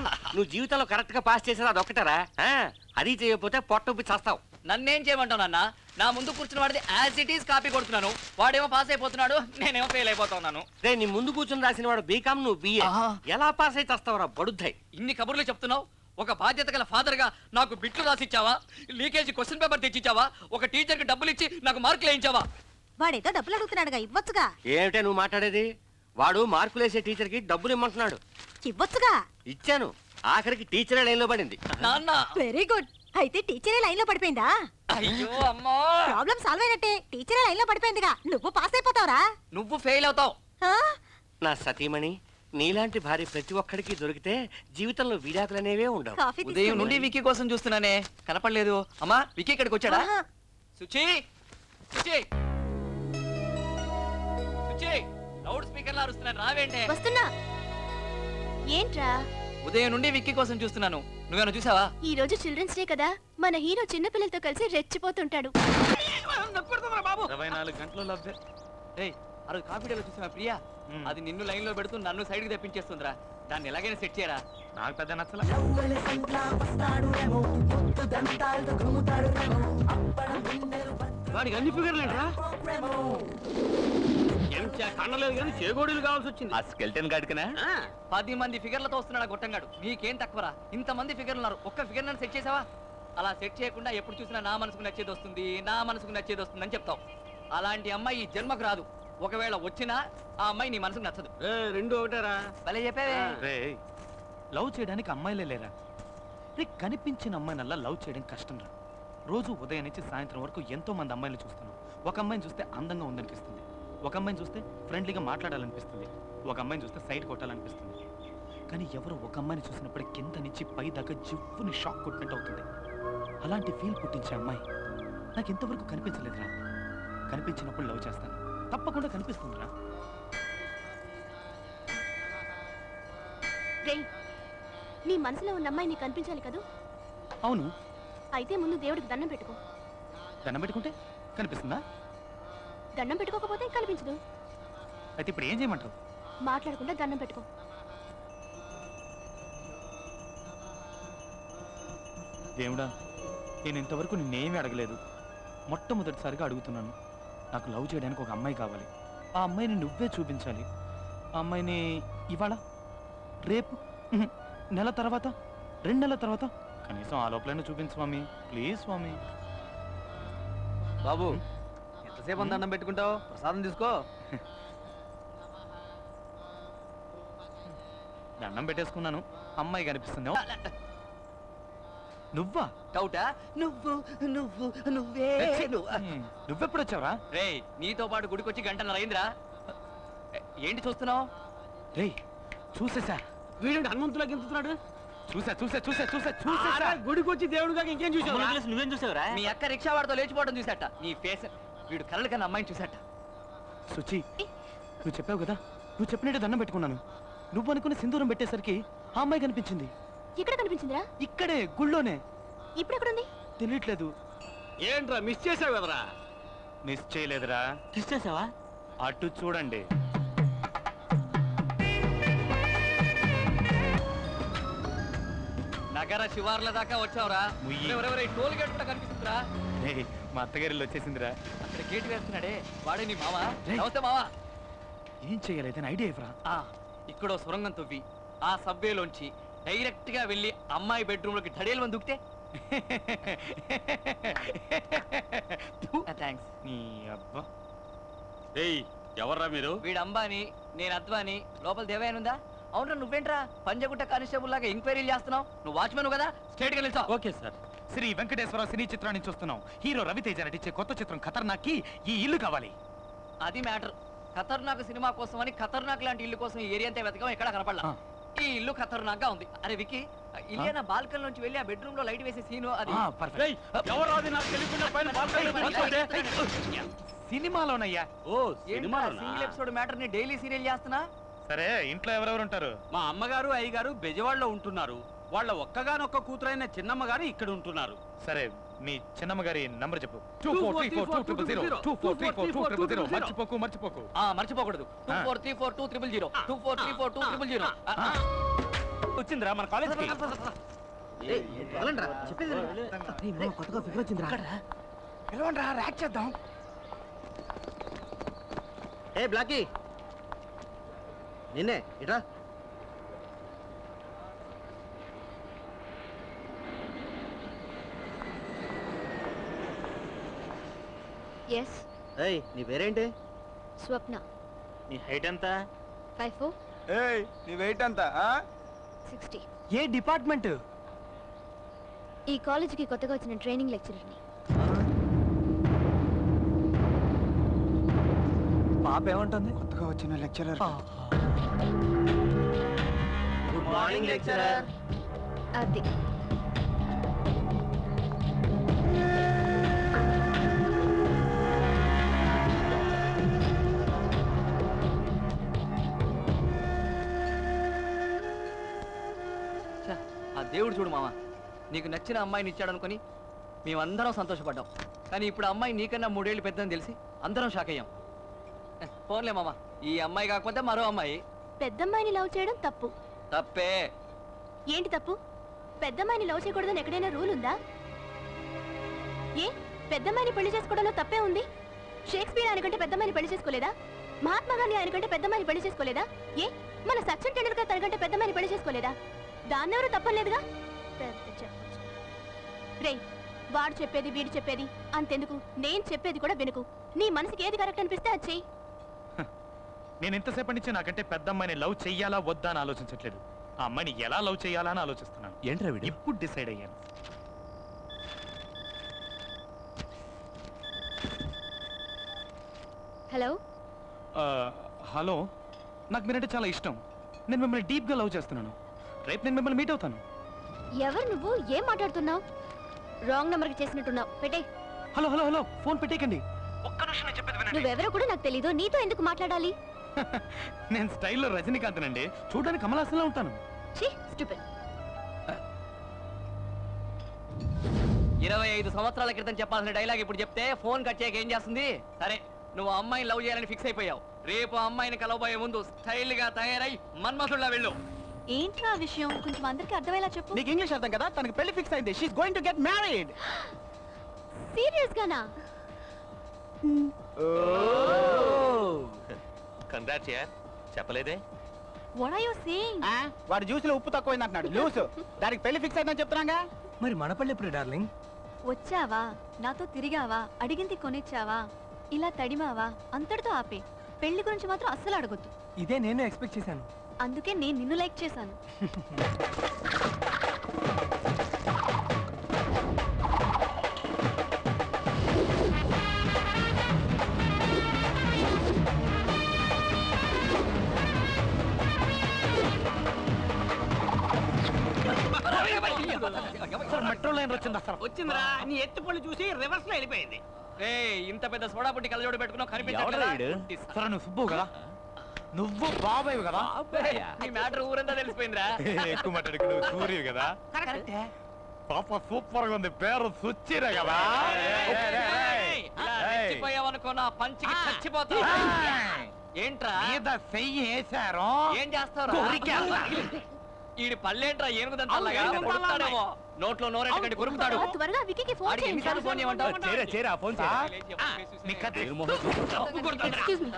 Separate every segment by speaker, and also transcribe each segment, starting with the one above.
Speaker 1: నువ్వు జీవితంలో కరెక్ట్ గా పాస్ చేసేది అదొక్కటరా అది చేయకపోతే పొట్టొప్పి చేస్తావు.
Speaker 2: నన్నేం చేయమంటావు నాన్న? నా ముందు కూర్చున్న వాడిది యాజ్ ఇట్ ఈస్ కాపీ కొడుతున్నాను. వాడేమో పాస్ అయిపోతున్నాడు, నేనేమో ఫెయిల్ అయిపోతున్నాను.
Speaker 1: రే నీ ముందు కూర్చుని రాసిన వాడు బీకామ్, నువ్వు బిఏ. ఎలా పాస్ అయితే వస్తావురా బడుద్దాయి?
Speaker 2: ఇన్ని కబుర్లు చెప్తున్నావు. ఒక బాధ్యత గల ఫాదర్ గా నాకు బిట్లు రాసిచ్చావా? లీకేజీ క్వశ్చన్ పేపర్ తెచ్చిచ్చావా? ఒక టీచర్ కి డబ్బులు ఇచ్చి నాకు మార్కులు వేయించావా?
Speaker 3: వాడేదో డబ్బులు అడుగుతున్నాడుగా, ఇవ్వచ్చుగా.
Speaker 1: ఏమిటే నువ్వు మాట్లాడేది? వాడు మార్కులు వేసే టీచర్ కి డబ్బులు ఇమ్మంటున్నాడు.
Speaker 3: ఇవ్వచ్చుగా.
Speaker 1: ఇచ్చాను, ఆఖరికి టీచరే లైన్ లో పడింది.
Speaker 2: నాన్న
Speaker 3: వెరీ గుడ్. అయితే టీచరే లైన్ లో పడిపోయిందా?
Speaker 2: అయ్యో అమ్మా,
Speaker 3: ప్రాబ్లం సాల్వ్ అయినట్టే. టీచరే లైన్ లో పడిపోయిందిగా, నువ్వు పాస్ అయిపోతావురా.
Speaker 2: నువ్వు ఫెయిల్ అవుతావు.
Speaker 1: నా సతీమణి, నీలాంటి భార్య ప్రతి ఒక్కడికి దొరికితే జీవితంలో విడాకులనేవే ఉండవు.
Speaker 2: ఉదయం నుండి వికీ కోసం చూస్తున్నానే, కనపడలేదు. అమ్మా వికీ ఇక్కడికి వచ్చాడా? సుచి, సుచి, సుచి, లౌడ్ స్పీకర్ లా అరుస్తున్నాను, రావేంటే?
Speaker 3: వస్తున్నా. ఏంట్రా?
Speaker 2: ఉదయం నుండి విక్కీ కోసం చూస్తున్నాను, నువ్వేనా చూసావా?
Speaker 3: ఈ రోజు చిల్డ్రన్స్ డే కదా, మన హీరో చిన్న పిల్లలతో కలిసి రెచ్చిపోతుంటాడు.
Speaker 2: 24 గంటలు లవ్వే. ఏయ్, ఆ రోజు కాఫీ డేలో చూసావా ప్రియా? అది నిన్ను లైన్ లో పెడుతూ నన్ను సైడ్ కి తెప్పించేస్తుందిరా. దాన్ని ఎలాగైనా సెట్ చేయరా. నాకు పెద్ద నచ్చల.
Speaker 1: వాడికి అన్ని ఫిగర్లేంట్రా? కన్నలేదు కానీ చేగోడీలు కావాల్సి వచ్చింది.
Speaker 2: ఆ స్కెల్టన్ గాడికనా 10 మంది ఫిగర్లతో వస్తున్నాడు గొట్టంగాడు. నీకేం తక్కువరా? ఇంతమంది ఫిగర్లు ఉన్నారు, ఒక్క ఫిగర్ నన్ను సెట్ చేసావా? అలా సెట్ చేయకుండా ఎప్పుడు చూసినా నా మనసుకు నచ్చేది వస్తుంది, నా మనసుకు నచ్చేది వస్తుంది అని చెప్తావు. అలాంటి అమ్మాయి ఈ జన్మకు రాదు. ఒకవేళ వచ్చినా ఆ అమ్మాయి నీ మనసుకు నచ్చదు.
Speaker 1: రెండు ఒకటేరా.
Speaker 2: భలే చెప్పావే.
Speaker 4: లవ్ చేయడానికి అమ్మాయిలే లేరా? రే, కనిపించిన అమ్మాయినల్లా లవ్ చేయడం కష్టం రా. రోజు ఉదయం నుంచి సాయంత్రం వరకు ఎంతో మంది అమ్మాయిలు చూస్తున్నాం. ఒక అమ్మాయిని చూస్తే అందంగా ఉందనిపిస్తుంది, ఒక అమ్మాయిని చూస్తే ఫ్రెండ్లీగా మాట్లాడాలనిపిస్తుంది, ఒక అమ్మాయిని చూస్తే సైడ్ కొట్టాలనిపిస్తుంది. కానీ ఎవరు ఒక అమ్మాయిని చూసినప్పుడు కింద నుంచి పై దాకా జివ్వుని షాక్ కొట్టినట్టు అవుతుంది. అలాంటి ఫీల్ పుట్టించే అమ్మాయి నాకు ఇంతవరకు కనిపించలేదురా. కనిపించినప్పుడు లవ్ చేస్తాను, తప్పకుండా కనిపిస్తుందిరా.
Speaker 3: నీ మనసులో ఉన్న అమ్మాయి నీకు కనిపించాలి కదా?
Speaker 4: అవును.
Speaker 3: అయితే ముందు దేవుడికి దండం పెట్టుకో.
Speaker 4: దండం పెట్టుకుంటే కనిపిస్తుందా?
Speaker 3: దండం పెట్టుకోకపోతే కనిపించదు.
Speaker 4: అయితే ఇప్పుడు ఏం చేయమంటావు?
Speaker 3: మాట్లాడకుండా దండం పెట్టుకో.
Speaker 4: దేవుడా, నేను ఇంతవరకు నిన్నేమీ అడగలేదు, మొట్టమొదటిసారిగా అడుగుతున్నాను. నాకు లవ్ చేయడానికి ఒక అమ్మాయి కావాలి. ఆ అమ్మాయిని నువ్వే చూపించాలి. ఆ అమ్మాయిని ఇవాళ, రేపు, నెల తర్వాత, 2 నెలల తర్వాత, కనీసం ఆ లోపలైనా చూపించు స్వామి, ప్లీజ్ స్వామి.
Speaker 2: బాబు, ఎంతసేపు దండం పెట్టుకుంటావు? ప్రసాదం తీసుకో.
Speaker 4: దండం పెట్టేసుకున్నాను, అమ్మాయి కనిపిస్తుంది. నువ్వా?
Speaker 2: డౌటా? నువ్వు నువ్వు నువ్వే.
Speaker 4: నువ్వెప్పుడు వచ్చావురా?
Speaker 2: రే, నీతో పాటు గుడికొచ్చి గంటన్నర అయిందిరా. ఏంటి చూస్తున్నావు?
Speaker 4: రే, చూసేసా.
Speaker 1: వీడు హనుమంతులా గెంతుతున్నాడు.
Speaker 4: చూసా.
Speaker 1: గుడికొచ్చి దేవుడుగా ఇంకేం చూసావు? నువ్వేం చూసావురా?
Speaker 2: మీ అక్క రిక్షా వాడితో లేచిపోవడం చూసాట. నీ ఫేస్, వీడు కలలు కన్నా అమ్మాయిని చూసాట.
Speaker 4: సుచి, నువ్వు చెప్పావు కదా, నువ్వు చెప్పినట్టు దండం పెట్టుకున్నాను. నువ్వు అనుకుని సింధూరం పెట్టేసరికి ఆ అమ్మాయి కనిపించింది.
Speaker 3: ఎక్కడ కనిపించిందిరా?
Speaker 4: ఇక్కడే, గుళ్ళోనే.
Speaker 3: ఇప్పుడు ఎక్కడుంది?
Speaker 4: తెలియట్లేదు.
Speaker 1: ఏంట్రా మిస్ చేసావు కదరా?
Speaker 4: మిస్ చేయలేదురా.
Speaker 1: మిస్ చేసావా?
Speaker 4: అటు చూడండి.
Speaker 2: నగర శివార్ల దాకా వచ్చావురా. టోల్ గేట్ కూడా కనిపిస్తుందిరా.
Speaker 4: మా అత్తగారిలో వచ్చేసిందిరా.
Speaker 2: అక్కడ గేట్ వేస్తున్నాడే, వాడే నీ మావా? నమస్తే మావా.
Speaker 4: ఏం చేయలేదని ఐడియా ఇవ్వరా?
Speaker 2: ఇక్కడో సొరంగం తవ్వి ఆ సబ్వేలోంచి డైరెక్ట్ గా వెళ్ళి అమ్మాయి బెడ్రూమ్ లోకి ధడేలు మంది దుక్కితే. థ్యాంక్స్.
Speaker 4: నీ అబ్బా.
Speaker 1: ఎవర్రా మీరు?
Speaker 2: వీడు అంబాని, నేను అద్వాని. లోపల దేవయానుందా? అవునరా, నువ్వేంట్రా పంజగుట్ట కానిస్టేబుల్ లాగా ఎంక్వైరీలు చేస్తున్నావు? నువ్వు వాచ్మెన్ కదా, స్ట్రైట్ గా నిల్చో.
Speaker 4: Okay sir. Sri Venkateswara cine చిత్రాన్ని చూస్తున్నాం. హీరో రవితేజ నటించే కొత్త చిత్రం ఖతర్నాక్కి ఈ ఇల్లు కావాలి.
Speaker 2: అది మ్యాటర్. ఖతర్నాక్ సినిమా కోసం అని ఖతర్నాక్ లాంటి ఇల్లు కోసం ఈ ఏరియా అంతా వెతకం, ఎక్కడ కనపడలా. ఈ ఇల్లు ఖతర్నాక్ గా ఉంది. అరే వికీ, ఇలియానా బాల్కన్ నుంచి వెళ్ళి ఆ బెడ్రూమ్ లో లైట్ వేసే సీను అది.
Speaker 4: సినిమాలోనయ్యా.
Speaker 1: ఓ సినిమాలోనా?
Speaker 2: సింగిల్ ఎపిసోడ్ మ్యాటర్ ని డైలీ సీరియల్ చేస్తున్నా.
Speaker 4: సరే, ఇంట్లో ఎవరెవరు ఉంటారు?
Speaker 1: మా అమ్మగారు, అయ్యగారు బెజవాడలో ఉంటున్నారు. వాళ్ళ ఒక్కగానొక్క కూతురైన చిన్నమ్మ గారు ఇక్కడ ఉంటున్నారు.
Speaker 4: సరే, మీ చిన్నమ్మ గారి నంబర్ చెప్పు. 24342000. మర్చిపోకు.
Speaker 2: మర్చిపోకూడదు. 24342000. 24342000.
Speaker 4: వచ్చిందిరా మన కాలేజ్కి.
Speaker 5: కొత్తగా ఫిగర్ వచ్చిందిరా.
Speaker 4: పిలవండిరా, ర్యాక్ చేద్దాం.
Speaker 5: ఏ బ్లాకీ నిన్నే ఇట్రా.
Speaker 3: ఎస్,
Speaker 5: ఏయ్ నీ పేరేంటి?
Speaker 3: స్వప్న.
Speaker 4: నీ హైట్ ఎంత?
Speaker 3: 5'4",
Speaker 6: ఏయ్ నీ వెయిట్ ఎంత?
Speaker 3: 60.
Speaker 4: ఏ డిపార్ట్మెంట్?
Speaker 3: ఈ కాలేజీకి కొత్తగా వచ్చిన ట్రైనింగ్ లెక్చరర్ని.
Speaker 4: పాప ఏమంటుంది?
Speaker 6: కొత్తగా వచ్చిన లెక్చరర్.
Speaker 5: Good morning lecturer.
Speaker 3: అది
Speaker 2: ఛ, ఆ దేవుడు చూడు మామ, నీకు నచ్చిన అమ్మాయిని ఇచ్చాడు అనుకుని మేమందరం సంతోషపడ్డాం. కానీ ఇప్పుడు అమ్మాయి నీకన్నా 3 ఏళ్ళు పెద్దని తెలిసి అందరం షాక్ అయ్యాం. ఫోన్లే మామ, ఈ అమ్మాయి కాకపోతే మరో అమ్మాయి.
Speaker 3: పెద్దమ్మాయిని లవ్ చేయడం తప్పు.
Speaker 2: తప్పే.
Speaker 3: ఏంటి తప్పు? పెద్దమ్మాయిని లవ్ చేయకూడదని ఎక్కడైనా రూల్ ఉందా? ఏ పెద్దమ్మాయిని పెళ్లి చేసుకోవడంలో తప్పే ఉంది? షేక్స్పియర్ ఆయనకంటే పెద్దమ్మాయిని పెళ్లి చేసుకోలేదా? మహాత్మా గాంధీ ఆయనకంటే పెద్దమ్మాయిని పెళ్లి చేసుకోలేదా? ఏ మన సచిన్ టెండూల్కర్ తనకంటే పెద్దమ్మాయిని పెళ్లి చేసుకోలేదా? దాన్నెవరూ తప్పలేదుగా. పెద్ద చెప్పొచ్చు. రేయ్, వాడు చెప్పేది వీడు చెప్పేది అంతెందుకు, నేను చెప్పేది కూడా వినుకు. నీ మనసుకి ఏది కరెక్ట్ అనిపిస్తే అది చెయ్యి.
Speaker 4: నేను ఇంతసేపటి నుంచి నాకంటే పెద్ద అమ్మాయిని లవ్ చెయ్యాలా వద్దా అని ఆలోచించట్లేదు. ఆ అమ్మాయిని ఎలా లవ్ చెయ్యాలా అని ఆలోచిస్తున్నాను.
Speaker 7: ఏంట్రా వీడు?
Speaker 4: ఇప్పుడు డిసైడ్ అయ్యాను.
Speaker 3: హలో,
Speaker 4: హలో, నాకు మీరంటే చాలా ఇష్టం. నేను మిమ్మల్ని డీప్గా లవ్ చేస్తున్నాను. రేపు నేను మిమ్మల్ని మీట్ అవుతాను.
Speaker 3: ఎవరు నువ్వు? ఏం మాట్లాడుతున్నావు? రాంగ్ నెంబర్కి చేసినట్టున్నావు. పెట్టే.
Speaker 4: హలో హలో హలో, ఫోన్ పెట్టేయకండి. ఒక్క నిమిషం నేను చెప్పేది వినండి.
Speaker 3: నువ్వెవరో కూడా నాకు తెలీదు. నీతో ఎందుకు మాట్లాడాలి?
Speaker 4: నేను స్టైల్లో రజనీకాంత్ నండి. చూడడానికి కమలాసంలో ఉంటాను.
Speaker 3: ఛీ, స్టూపిడ్.
Speaker 2: 25 సంవత్సరాల క్రితం చెప్పాల్సిన డైలాగ్ ఇప్పుడు చెప్తే ఫోన్ కట్ చేయక ఏం చేస్తుంది? సరే, నువ్వు ఆ అమ్మాయిని లవ్ చేయాలని ఫిక్స్ అయిపోయావు. రేపు ఆ అమ్మాయిని కలవబోయే ముందు స్టైల్ గా తయారై మన్మథుల్లా వెళ్ళు.
Speaker 3: ఏంట్రా విషయం? కొంచెం అందరికి అర్థమయ్యేలా చెప్పు.
Speaker 6: నీకు ఇంగ్లీష్ అర్థం కదా? తనకి పెళ్లి ఫిక్స్ అయింది. She is going to get married.
Speaker 3: Serious గానా?
Speaker 7: కంగ్రాట్స్ యార్, చెప్పలేదే?
Speaker 3: What are you saying?
Speaker 6: వాడు జ్యూస్ లో ఉప్పు తక్కువైంది అంటున్నాడు. లూస్ దానికి పెళ్లి ఫిక్స్ అయిందని చెప్తున్నాగా.
Speaker 5: మరి మన పళ్ళు ఎప్పుడు డార్లింగ్?
Speaker 3: వచ్చావా, నాతో తిరిగావా, అడిగింది కొనిచ్చావా, ఇలా తడిమావా, అంతటితో ఆపే. పెళ్లి గురించి మాత్రం అస్సలు అడగొద్దు.
Speaker 5: ఇదే నేను ఎక్స్పెక్ట్ చేశాను.
Speaker 3: అందుకే నేను నిన్ను లైక్ చేశాను.
Speaker 4: మెట్రో లైన్ వచ్చింది అసలు.
Speaker 1: వచ్చిందిరా, నీ ఎత్తు పళ్ళు చూసి రివర్స్ లో వెళ్ళిపోయింది.
Speaker 2: ఇంత పెద్ద సోడా పుట్టి కళ్ళజోడు పెట్టుకున్నావు,
Speaker 7: ఎవడ్రా
Speaker 2: కనిపించట్లేదా?
Speaker 7: వీడు?
Speaker 4: సరే, నువ్వు సుబ్బు కదా? నువ్వు బాబాయ్ కదా?
Speaker 2: నీ మ్యాటర్ ఊరంతా తెలిసిపోయిందిరా.
Speaker 4: ఎక్కువ మాట్లాడుకు. నువ్వు సూర్యు కదా? పాప సూపర్ గా ఉంది. పేరు సుచ్చిరా కదా?
Speaker 2: ఇలా రెచ్చిపోయావనుకో నా పంచికి చచ్చిపోతావు. ఏంట్రా
Speaker 4: మీద చెయ్యి వేశారు.
Speaker 2: ఏం చేస్తావు? ఈడి పళ్ళేంట్రా ఏనుగుదంతలాగా కొడుతాడేమో. నోట్లో నోరెట్టకండి కొరుకుతాడు.
Speaker 3: త్వరగా విక్కీకి ఫోన్
Speaker 2: ఆడికి ఎన్నిసార్లు ఫోన్ చేయమంటావు?
Speaker 7: చేరా ఫోన్
Speaker 3: ఎక్స్క్యూజ్ మీ.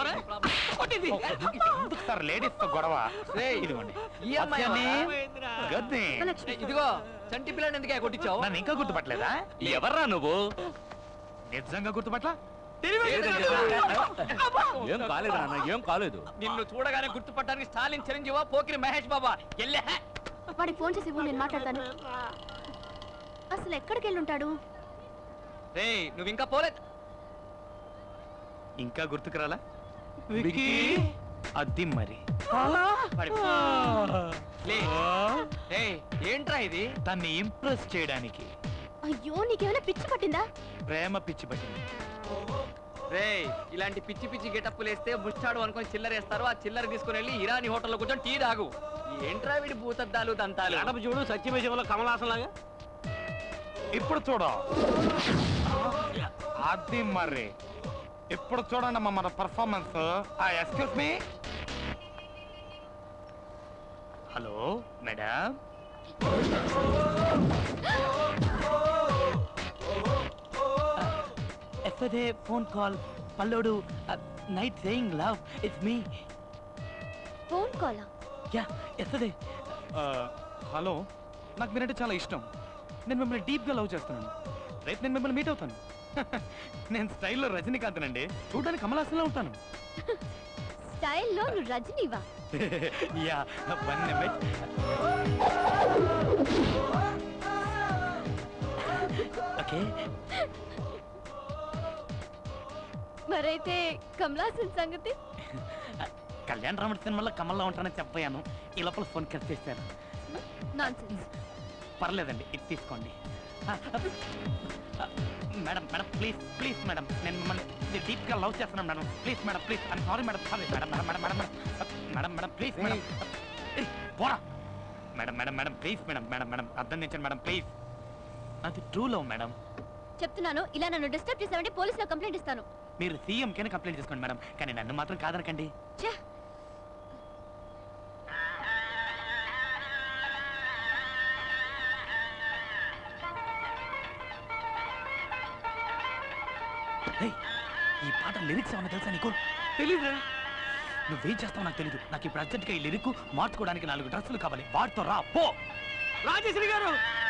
Speaker 4: ఎందుకు సార్ లేడీస్ తో గొడవ?
Speaker 2: రేయ్,
Speaker 4: ఇదిగోండి.
Speaker 2: ఈ అమ్మాయి
Speaker 4: గద్ది.
Speaker 2: ఇదిగో చంటి పిల్లని ఎందుకే కొట్టించావు?
Speaker 4: నన్ను ఇంకా గుర్తుపట్టలేదా?
Speaker 7: ఎవర్రా నువ్వు?
Speaker 4: నిజంగా గుర్తుపట్ల?
Speaker 7: ఏం కాలేదు నాన్న, ఏం కాలేదు.
Speaker 2: నిన్ను చూడగానే గుర్తుపట్టడానికి స్టాలిన్ చిరంజీవా పోకిరి మహేష్ బాబా ఎల్లే.
Speaker 3: వాడికి ఫోన్ చేసి ఇవ్వు, నేను మాట్లాడతాను. అసలు ఎక్కడికి వెళ్ళి ఉంటాడు?
Speaker 2: రేయ్, నువ్వు ఇంకా పోలేదు.
Speaker 4: ఇంకా గుర్తుకురాలా? అది మరి.
Speaker 2: పడిపో. లే. రేయ్, ఏంట్రా ఇది?
Speaker 4: తన్ని ఇంప్రెస్ చేయడానికి
Speaker 3: అయ్యో, నీకేమైనా పిచ్చి పట్టిందా?
Speaker 4: ప్రేమ పిచ్చి పట్టింది.
Speaker 2: రేయ్, ఇలాంటి పిచ్చి పిచ్చి గెటప్పులు వేస్తే ముచ్చాడు అనుకొని చిల్లరేస్తారు. ఆ చిల్లర తీసుకుని వెళ్ళి ఇరానీ హోటల్లో కూర్చొని టీ తాగు. ఏంట్రా వీడి భూతద్దాలు దంతాలు?
Speaker 1: అడప చూడు, సత్యమేశంలో కమలాసన్ లాగా.
Speaker 4: ఇప్పుడు చూడ. అది మరి. ఇప్పుడు చూడండి మన performance. Excuse me. Hello madam. ఎఫ్ఎదే ఫోన్ కాల్ పల్లోడు night saying love it's me.
Speaker 3: Phone కాలా?
Speaker 4: యా ఎఫ్ఎదే. హలో, నాకు మీరంటే చాలా ఇష్టం. నేను మిమ్మల్ని డీప్గా లవ్ చేస్తున్నాను. రేపు నేను మిమ్మల్ని మీట్ అవుతాను. నేను స్టైల్లో రజనీకాంత్ అండి, చూడడానికి కమలాసంలో ఉంటాను.
Speaker 3: స్టైల్లో నువ్వు రజనీవా?
Speaker 4: Yeah one minute. ఓకే.
Speaker 3: మరైతే కమలాసన్ సంగతి?
Speaker 4: కళ్యాణ రాముడి సినిమాలో కమల్లో ఉంటానని చెప్పాను. ఈ లోపల ఫోన్ కట్ చేశాను.
Speaker 3: నాన్సెన్స్.
Speaker 4: పర్లేదండి, ఇది తీసుకోండి. Madam madam please please madam, నేను మిమ్మల్ని డీప్గా లవ్ చేస్తున్నాను madam. Please madam, please. I'm sorry madam, sorry madam madam madam madam madam madam please madam. పోరా madam madam madam please madam madam madam అర్థం చేయండి మేడం ప్లీజ్. అది true love madam.
Speaker 3: చెప్తున్నాను, ఇలా నన్ను డిస్టర్బ్ చేసావంటే పోలీసులో కంప్లైంట్ ఇస్తాను.
Speaker 4: మీరు సీఎంకేనే కంప్లైంట్ చేసుకోండి మేడం, కానీ నన్ను మాత్రం కాదనకండి.
Speaker 3: ఛే!
Speaker 4: ఏయ్, ఈ పాట లిరిక్స్ ఏమన్నా తెలుసా నీకు? తెలీదురా. నువ్వేం చేస్తావు నాకు తెలీదు. నాకు ఇప్పుడు అర్జెంట్గా ఈ లిరిక్ మార్చుకోవడానికి 4 డ్రెస్సులు కావాలి. వాటితో రా పో.
Speaker 1: రాజేశ్వరి గారు